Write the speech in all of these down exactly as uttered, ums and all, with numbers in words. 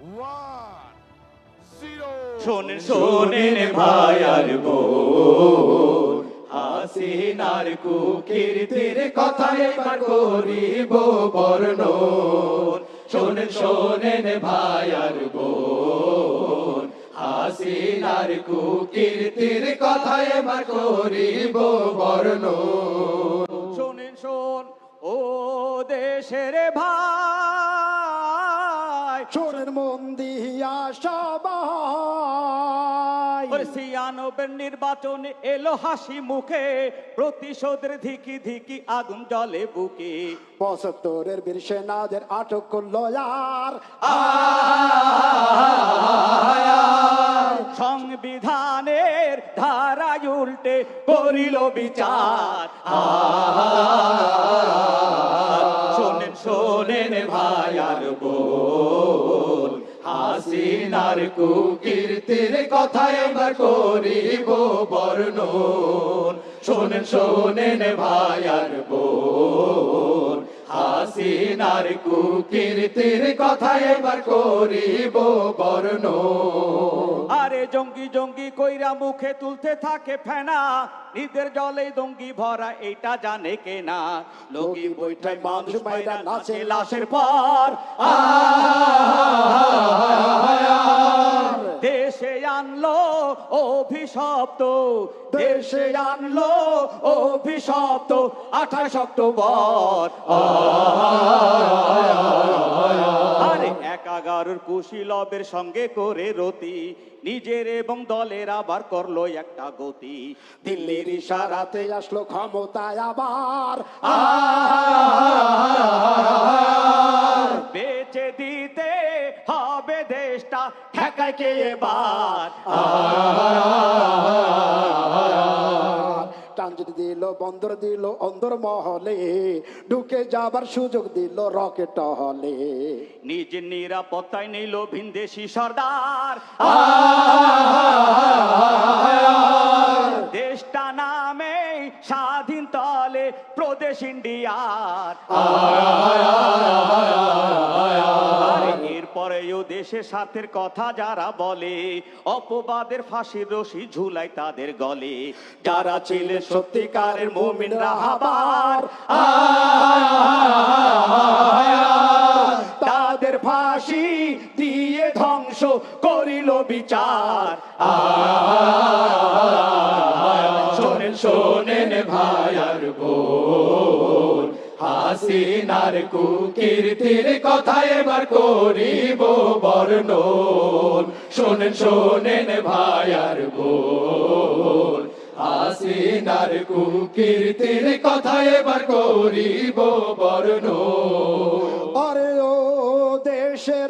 শোনেন শোনেন ভাই আর বোন, হাসিনার কুকীর্তির কথা এবার করিব বর্ণন। শোনেন শোনেন ভাই আর বোন, হাসিনার কুকীর্তির কথা এবার করিব বর্ণন। শোনেন শোন ও দেশের ভাই, শোনেন মন দিয়া সবাই, ছিয়ানব্বই নির্বাচনে এলো হাসি মুখে, প্রতিশোধের ধিকি ধিকি আগুন জ্বলে বুকে। পঁচাত্তরের বীর সেনাদের আটক করলো আর সংবিধানের ধারায় উল্টে করিল বিচার। শোনেন শোনেন ভাই আর বোন, হাসিনার কুকীর্তির কথা এবার করিব বর্ণন। শোনেন শোনেন ভাই আর বোন, হাসিনার কুকীর্তির কথা এবার করিব বর্ণন। আরে জঙ্গি জঙ্গি কইরা মুখে তুলতে থাকে ফেনা, ঈদের জলে জঙ্গি ভরা এইটা জানে কেনা। লগি বৈঠায় মানুষ মাইরা নাচে লাশের পর, দেশে আনলো অভিশপ্ত, দেশে আনলো অভিশপ্ত আঠাশ অক্টোবর। আরে একাগারের কুশীলবের সঙ্গে করে রতি, নিজের এবং দলের আবার করলো একটা গতি। দিল্লির ইশারাতে আসলো ক্ষমতায় আবার, বেঁচে দিতে হবে দেশটা, ঠেকায় কে এবার। ট্রানজিট দিল, বন্দর দিল অন্দর মহলে, ঢুকে যাবার সুযোগ দিল রকেট হলে। নিজের নিরাপত্তায় নিল ভিনদেশি সর্দার, দেশটা নামে স্বাধীন তলে প্রদেশ ইন্ডিয়ার। এরপরেও দেশের স্বার্থের কথা যারা বলে, অপবাদের ফাঁসির রশি ঝুলাই তাদের গলে। যারা ছিলেন সত্যিকারের মুমিন রাহাবার, তাদের ফাঁসি দিয়ে ধ্বংস করিল বিচার। শোনেন শোনেন ভাই আর বোন, হাসিনার কুকীর্তির কথা এবার করিব বর্ণন। শোনেন শোনেন ভাই আর বোন, হাসিনার কুকীর্তির কথা এবার করিব বর্ণন। আরে ও দেশের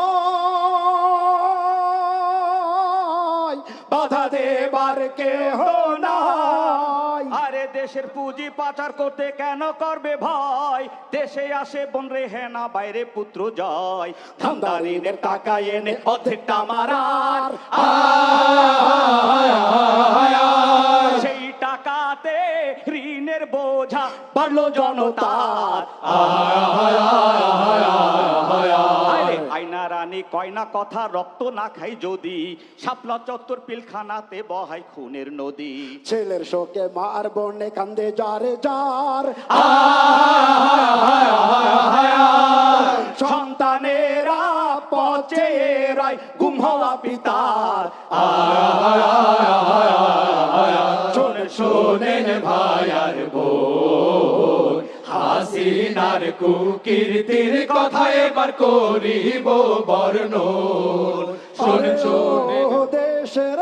ভাই, বাধা দেবার কেহ নাই। আরে দেশের পুঁজি পাচার করতে কেন করবে ভয়, দেশে আসে বোন রেহে না বাইরে পুত্র জয়। ধান্দারিদের টাকা এনে অর্ধেকটা মারার, সেই টাকাতে ঋণের বোঝা বাড়লো জনতার। আয়না রানী কয়না কথা রক্ত না খাই যদি, শাপলা চত্বর পিলখানাতে বহাই খুনের নদী। ছেলের শোকে মার বনে কান্দে যারে যার, সন্তানেরা পচে রায় গুম হওয়া পিতার। শোনেন শোনেন ভাই আর বোন, হাসিনার কুকীর্তির কথা এবার করিব বর্ণন। শোনেন শোনেন দেশের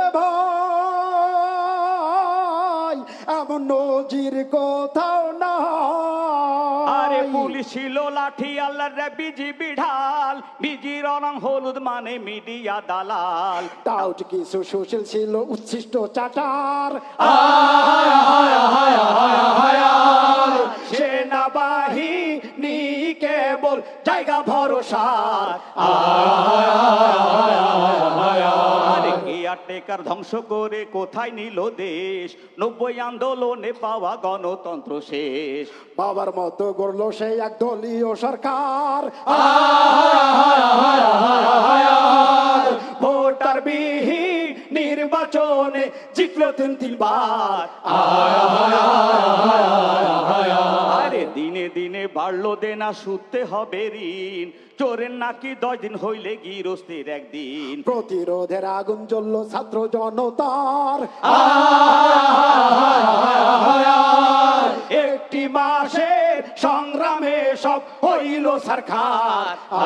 ভাই, এমন নজির কোথাও না। আরে পুলিশ ছিল লাঠি আল্লাহর বিজিবি ঢাল, বিজির রং হলুদ মানে মিডিয়া দালাল। টাউট কিছু সুশীল ছিল উচ্ছিষ্ট চাটার, সেনাবাহিনী কেবল জায়গা ভরসার। কেয়ারটেকার ধ্বংস করে কোথায় নিল দেশ, নব্বই আন্দোলনে পাওয়া গণতন্ত্র শেষ। বাবার মতো গড়লো সেই এক দলীয় সরকার, নির্বাচনে জিতলো তিন তিনবার আরে দিনে দিনে বাড়লো দেনা সুদতে হবে ঋণ চোরের নাকি দশ দিন হইলে গিরস্তির একদিন প্রতিরোধের আগুন জ্বললো ছাত্র জনতার একটি মাসের সংগ্রামে সব হইল সরকার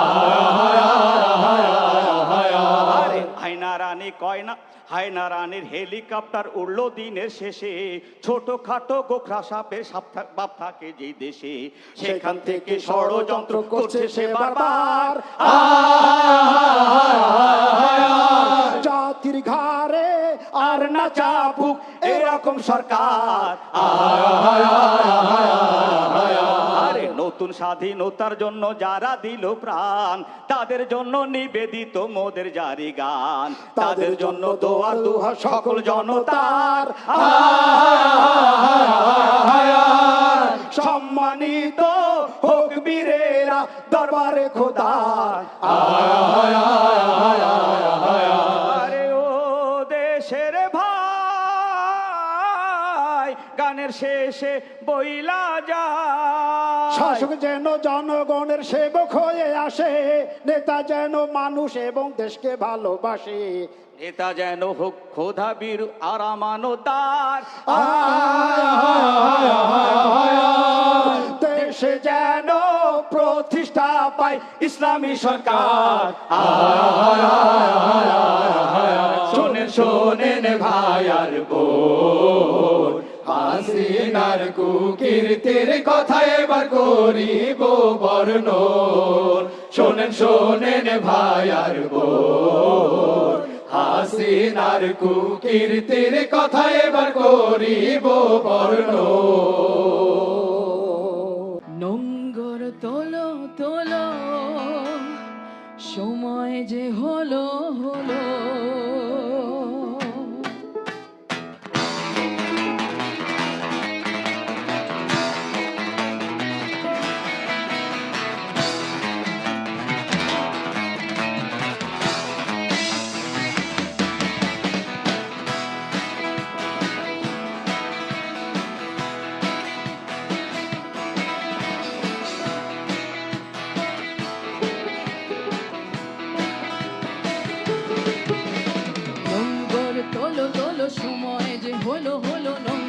আরে হায়না রানী কয়না হায়না রানীর হেলিকপ্টার উড়লো দিনের শেষে ছোট খাটো গোখরা সাপের সাপ থাক- বাপ থাকে যে দেশে সেখান থেকে ষড়যন্ত্র করছে সে বারবার জাতির ঘাড়ে আর না চাপুক এরকম সরকার আরে নতুন স্বাধীনতার জন্য যারা দিল প্রাণ তাদের জন্য নিবেদিত মোদের জারি গান তাদের জন্য দোয়ার দুহা সকল জনতার সম্মানিত হোক বীরেরা দরবারে খোদার আরে ও দেশের ভাই গানের শেষে বইলা যায় শাসক যেন জনগণের সেবক হয়ে আসে নেতা যেন মানুষ এবং দেশকে ভালোবাসে নেতা যেন হোক খোদা বীর আর আমানতার দেশে যেন প্রতিষ্ঠা পায় ইসলামী সরকার শোনেন শোনেন ভাই আর বোন হাসিনার কুকীর্তির কথা এবার করিব বর্ণন শোনেন শোনেন ভাই আর বোন হাসিনার কুকীর্তির কথা এবার করিব বর্ণন নোঙ্গর তোলো তোলো সময় যে হলো হলো নোঙ্গর তোলো তোলো সময় যে হলো হলো নোঙ্গর